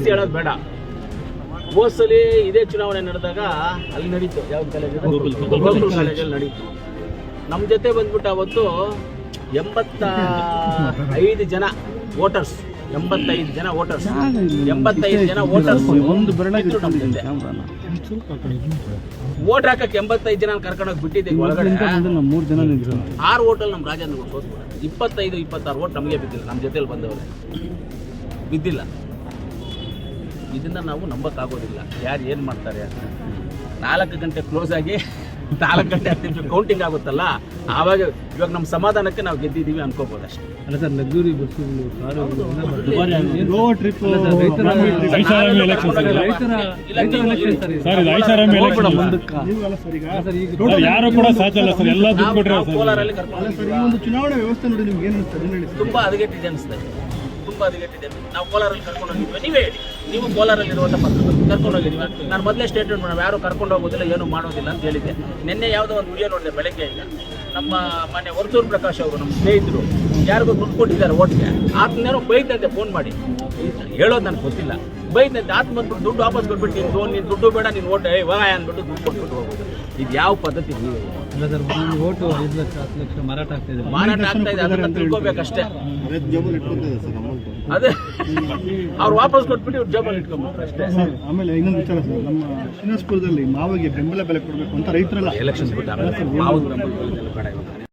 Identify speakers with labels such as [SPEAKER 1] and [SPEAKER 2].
[SPEAKER 1] ಹೇಳೋದು ಬೇಡ. ಹೋದ್ಸಲಿ ಇದೇ ಚುನಾವಣೆ ನಡೆದಾಗ ಅಲ್ಲಿ ನಡೀತು, ಯಾವ್ದು ಕಾಲೇಜ್, ಗೋಕುಲ್ ಕಾಲೇಜಲ್ಲಿ ನಡೀತು. ನಮ್ಮ ಜೊತೆ ಬಂದ್ಬಿಟ್ಟು ಅವತ್ತು 85 ಜನ ವೋಟರ್ಸ್, 85 ಜನ ವೋಟರ್ಸ್, 85 ಜನ ವೋಟರ್ಸ್
[SPEAKER 2] ಒಂದು ಬೆರಳಾಗಿ
[SPEAKER 1] ವೋಟ್ ಹಾಕಕ್ಕೆ 85 ಜನ ಕರ್ಕೊಂಡೋಗಿ ಬಿಟ್ಟಿದ್ದೀವಿ ಒಳಗಡೆ.
[SPEAKER 2] 3 ಜನ
[SPEAKER 1] 6 ವೋಟಲ್ಲಿ ನಮ್ಮ ರಾಜೇಂದ್ರ ಸೋತ್ಬಿಡ. 25-26 ವೋಟ್ ನಮಗೆ ಬಿದ್ದಿಲ್ಲ, ನಮ್ಮ ಜೊತೆಲಿ ಬಂದವರು ಬಿದ್ದಿಲ್ಲ. ಇದನ್ನ ನಾವು ನಂಬಕ್ಕಾಗೋದಿಲ್ಲ ಯಾರು ಏನು ಮಾಡ್ತಾರೆ ಅಂತ. 4 ಗಂಟೆ ಕ್ಲೋಸ್ ಆಗಿ 4 ಗಂಟೆ 10 ನಿಮಿಷ ಕೌಂಟಿಂಗ್ ಆಗುತ್ತಲ್ಲ, ಆವಾಗ ಇವಾಗ ನಮ್ಮ ಸಮಾಧಾನಕ್ಕೆ ನಾವು ಗೆದ್ದಿದ್ದೀವಿ ಅನ್ಕೋಬೋದು ಅಷ್ಟೇ.
[SPEAKER 2] ಅಲ್ಲ ಸರ್, ಲಗ್ಸುರಿ ಬಸ್ಸುಗಳು,
[SPEAKER 3] ಯಾರು ಕೂಡ ಸಾಧ್ಯ ಇಲ್ಲ ಸರ್, ಎಲ್ಲ ದುಡ್ಡು ಕೊಟ್ಟರೆ
[SPEAKER 1] ಕೋಲಾರಲ್ಲಿ
[SPEAKER 2] ಚುನಾವಣಾ ವ್ಯವಸ್ಥೆ ನೋಡಿ ನಿಮ್ಗೆ ಏನು
[SPEAKER 1] ತುಂಬಾ ಹದಗೆಟ್ಟಿದೆ ಅನಿಸ್ತಾ ಇದೆ, ತುಂಬಾ ಹದಗೆಟ್ಟಿದೆ. ನಾವು ಕೋಲಾರಲ್ಲಿ ಕರ್ಕೊಂಡು ಹೋಗಿದ್ವಿ, ನೀವೇ ಹೇಳಿ, ನೀವು ಕೋಲಾರಲ್ಲಿ ಇರುವಂಥ ಪತ್ರಕರ್ತರು ಕರ್ಕೊಂಡು ಹೋಗಿದ್ವಿ. ನಾನು ಮೊದಲೇ ಸ್ಟೇಟ್ಮೆಂಟ್ ಮಾಡೋಣ, ಯಾರು ಕರ್ಕೊಂಡು ಹೋಗೋದಿಲ್ಲ, ಏನು ಮಾಡೋದಿಲ್ಲ ಅಂತ ಹೇಳಿದ್ದೆ. ನಿನ್ನೆ ಯಾವುದೋ ಒಂದು ವಿಡಿಯೋ ನೋಡಿದೆ ಬೆಳಗ್ಗೆ. ಈಗ ನಮ್ಮ ಮನೆ ವರ್ತೂರು ಪ್ರಕಾಶ್ ಅವರು, ನಮ್ಮ ಸ್ನೇಹಿತರು, ಯಾರಿಗೂ ದುಡ್ಡು ಕೊಟ್ಟಿದ್ದಾರೆ ಓಟ್ಗೆ, ಆತನೇನೋ ಬೈದಂತೆ ಫೋನ್ ಮಾಡಿ, ಹೇಳೋದು ನನಗೆ ಗೊತ್ತಿಲ್ಲ, ಬೈದಂತೆ. ಆತ ಬಂದ್ಬಿಟ್ಟು ದುಡ್ಡು ವಾಪಸ್ ಕೊಟ್ಬಿಟ್ಟು ನೀನು ದುಡ್ಡು ಬೇಡ, ನೀನು ಓಟ್ ಅಂದ್ಬಿಟ್ಟು ದುಡ್ಡು ಕೊಟ್ಬಿಟ್ಟು ಹೋಗೋದು. ಇದು ಯಾವ ಪದ್ಧತಿ?
[SPEAKER 2] ಇಲ್ಲ ಸರ್, ಓಟು 5 ಲಕ್ಷ 10 ಲಕ್ಷ ಮಾರಾಟ ಆಗ್ತಾ ಇದೆ,
[SPEAKER 1] ಅದನ್ನ ತಿಳ್ಕೊಬೇಕಷ್ಟೇ. ಅದೇ ಅವ್ರು ವಾಪಸ್ ಕೊಟ್ಬಿಟ್ಟು ಇವ್ರು ಜೇಬಲ್ಲಿ ಇಟ್ಕೊಂಡ್ಬಿಟ್ರು ಅಷ್ಟೇ.
[SPEAKER 2] ಆಮೇಲೆ ಇನ್ನೊಂದು ವಿಚಾರ ಸರ್, ನಮ್ಮ ಶ್ರೀನಿವಾಸಪುರದಲ್ಲಿ ಮಾವಿಗೆ ಬೆಂಬಲ ಬೆಲೆ ಕೊಡಬೇಕು ಅಂತ ರೈತರೆಲ್ಲ
[SPEAKER 1] ಎಲೆಕ್ಷನ್ಸ್ ಬಿಟ್ಟು ಆಮೇಲೆ ಮಾವು ಬೆಂಬಲ ಬೇಡ ಇವಾಗ.